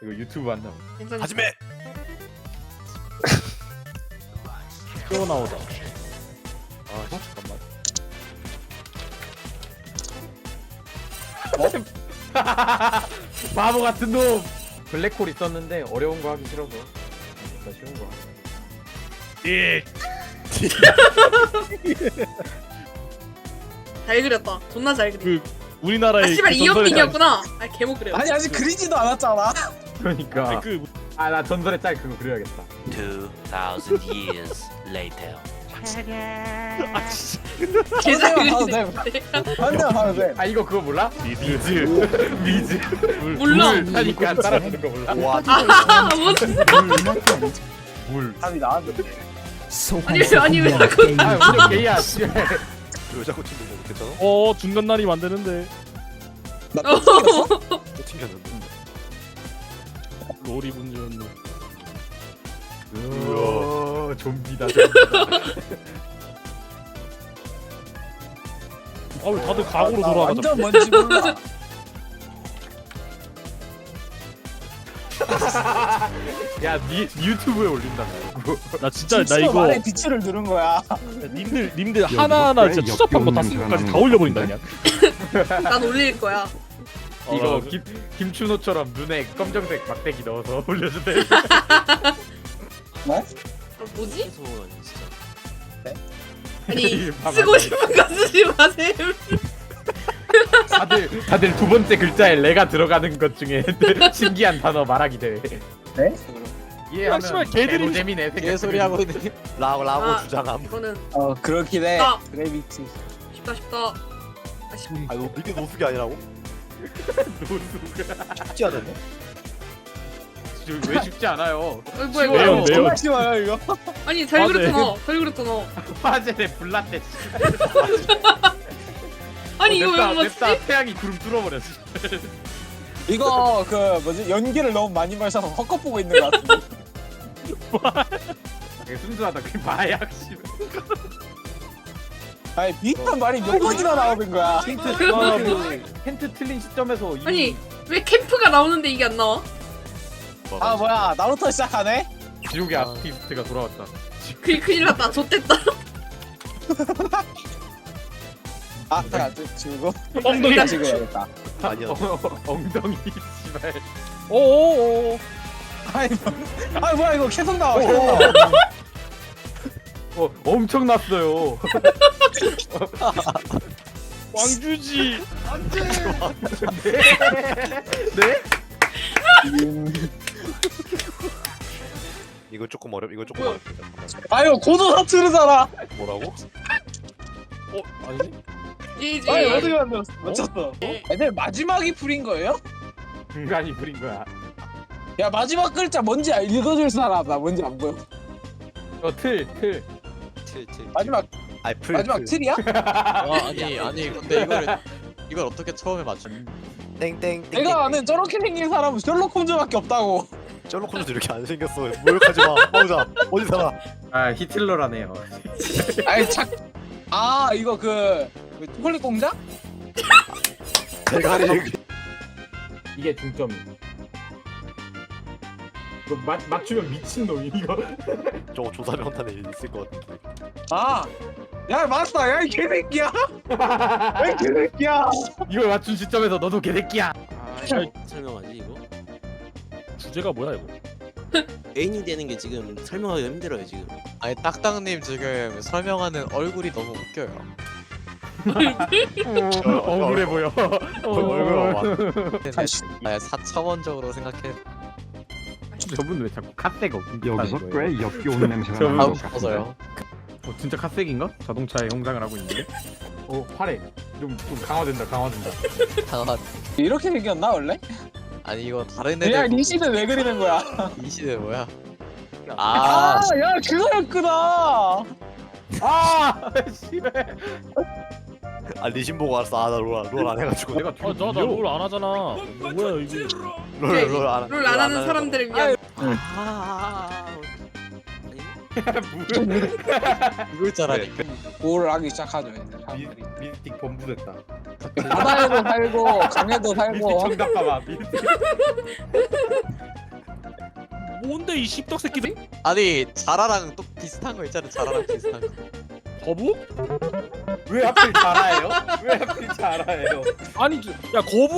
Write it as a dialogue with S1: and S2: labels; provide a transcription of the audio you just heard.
S1: 이거 유튜브 한다.
S2: 괜찮아.
S3: 하지메.
S4: 또 나오다. 아 잠깐만.
S1: 바보 같은 놈. 블랙홀 있었는데 어려운 거 하기 싫어서 진짜 쉬운 거.
S3: 예.
S2: 잘 그렸다. 존나 잘 그리.
S4: 그 우리나라의
S2: 아 씨발
S4: 그 전설의
S2: 이어핑이었구나. 아 개목 그려.
S5: 아니 아직 그리지도 않았잖아.
S1: 그러니까.
S4: 아니, 그
S1: 아 나 전설의 짤 그거 그려야겠다.
S3: 2000 years later.
S4: 아 진짜
S2: 개잘
S5: 봐도
S2: 그리네.
S5: 한 대만 하면 돼.
S1: 아 이거 그거 몰라?
S4: 미즈
S1: 미즈.
S2: 몰라.
S1: 하니까 따라주는 거 몰라?
S3: 와.
S2: 아 뭔?
S1: 물.
S5: 답이 나왔는데.
S2: 아니 왜 자꾸
S1: 아 완전 게이야. 씨발.
S3: 왜 자꾸 튕기는 거 괜찮아?
S4: 중간 날이 만드는데
S5: 나또 튕겼어?
S3: 또 튕겼는데.
S4: 롤이 문제였네.
S1: 우와 좀비다 좀비다.
S4: 아왜 다들 각오로
S5: 나
S4: 돌아가자.
S5: 완전 뭔지 몰라.
S1: 야니 유튜브에 올린다.
S4: 나 진짜 나
S5: 진짜
S4: 이거
S5: 말에 비추를 누른 거야.
S4: 님들 하나하나 진짜 추잡한 거 다 쓴 다 올려버린다 그냥.
S2: 난 올릴 거야.
S1: 이거 김춘호처럼 눈에 검정색 막대기 넣어서 올려주대.
S5: 뭐?
S2: 아, 뭐지?
S3: 소원 진짜.
S2: 아니
S1: 봐봐.
S2: 쓰고 싶은 거 쓰지 마세요.
S1: 다들 두 번째 글자에 레가 들어가는 것 중에 신기한 단어 말하기 대회.
S5: 네?
S1: 이해하면
S4: 씨발, 개들이
S1: 재미네.
S3: 개소리 하고 있는. 라고
S2: 아.
S3: 주장함.
S2: 이거는
S5: 그렇긴 해.
S2: 아.
S5: 그래비티.
S2: 쉽다. 아 쉽.
S3: 아 이게 노숙이 아니라고? 쉽지 않았네.
S1: 왜 쉽지 않아요?
S2: 뭐야
S4: 매운,
S2: 이거?
S4: 매운.
S5: 정말 쉬워요 이거.
S2: 아니 잘
S4: 맞아.
S2: 그렸잖아. 잘 그렸잖아.
S1: 화젤에 불났대.
S2: 아니 이거 왜 못 맞지?
S1: 냅다 태양이 구름 뚫어버렸어.
S5: 이거 그 뭐지 연기를 너무 많이 마셔서 헛것 보고 있는 것 같은데.
S1: 되게 순수하다. 그 마약 씨.
S5: 아니 비슷한 말이 몇 번이나 나오는 거야.
S1: 힌트 틀린 시점에서 이미
S2: 아니 왜 캠프가 나오는데 이게 안 나와?
S5: 아 뭐야 나루토 시작하네?
S1: 지옥의 아티스트가 돌아왔다.
S2: 큰일 났다. 좆됐다.
S5: 아 잠깐 지우고.
S4: 엉덩이.
S5: 다시 그려야겠다.
S3: 아니야.
S1: 엉덩이 씨발.
S4: 오오오.
S5: 아니 뭐야 이거 계속 나와. 계속 나와.
S1: 엄청 났어요.
S4: 왕주지.
S1: 네?
S3: 이거 조금 이거 조금 어렵다.
S5: 아유 고도 사투르잖아.
S3: 뭐라고?
S4: 아니지?
S2: 이지.
S5: 아니 어떻게 만들었어? 맞췄어. 애들 마지막이 풀인 거예요?
S1: 인간이 부린 거야.
S5: 야 마지막 글자 뭔지 읽어줄 사람 나 뭔지 안 보여.
S1: 틀.
S5: 마지막
S3: 아이 풀.
S5: 마지막 틀이야?
S6: 아니 근데 이걸 어떻게 처음에 맞춘?
S3: 땡땡.
S5: 내가 아는 저렇게 생긴 사람은 셜록 홈즈밖에 없다고.
S3: 셜록 홈즈도 이렇게 안 생겼어. 모욕하지 마. 마우자. 어디 살아?
S1: 아 히틀러라네요.
S5: 아니 아 이거 그 초콜릿 공장?
S3: 대가리.
S1: 이게 중점이. 이거 맞추면 미친 놈이 이거.
S3: 저거 조사명단에 있을 것 같은데.
S5: 아, 야 맞다, 야 이 개새끼야, 야 이 개새끼야.
S1: 이걸 맞춘 시점에서 너도 개새끼야.
S6: 설명하지 이거?
S4: 주제가 뭐야 이거?
S6: 애인이 되는 게 지금 설명하기 힘들어요 지금.
S7: 아니 딱딱님 지금 설명하는 얼굴이 너무 웃겨요.
S1: 억울해 보여.
S3: 얼굴 봐봐.
S7: 아 사차원적으로 생각해.
S1: 저분 왜 자꾸 카세가
S8: 여기서 꽤 역겨운 냄새가
S1: 저분-
S8: 나는
S7: 아우
S8: 것 같은데.
S7: 싶어서요.
S1: 진짜 카색인가? 자동차의 형상을 하고 있는데? 화래. 좀 강화된다.
S7: 당한.
S5: 이렇게 생겼나 원래?
S7: 아니 이거 다른
S5: 야
S7: 애들
S5: 리시는 왜 그리는 거야?
S7: 이 시대 뭐야?
S5: 아, 야 그거였구나.
S1: 아, 씨발.
S3: 아 리신 보고 알았어. 나롤안 해가지고.
S1: 내가
S4: 나롤안 하잖아. 뭐야 이게?
S3: 롤안
S2: 롤 안 하는 사람들을 위한.
S6: 아. 이걸 잘하니
S5: 구호를 하기 시작하죠. 이제 사람들이.
S1: 미스틱 범부됐다.
S5: 바다에도 살고 강에도
S1: 미스틱
S5: 살고
S1: 정답 봐봐. 미스틱.
S4: 뭔데 이 씹덕 새끼들?
S6: 아니 자라랑 또 비슷한 거 있잖아 자라랑 비슷한 거
S4: 거부?
S1: 왜 하필 자라예요? 왜 하필 자라예요?
S4: 아니 야 거부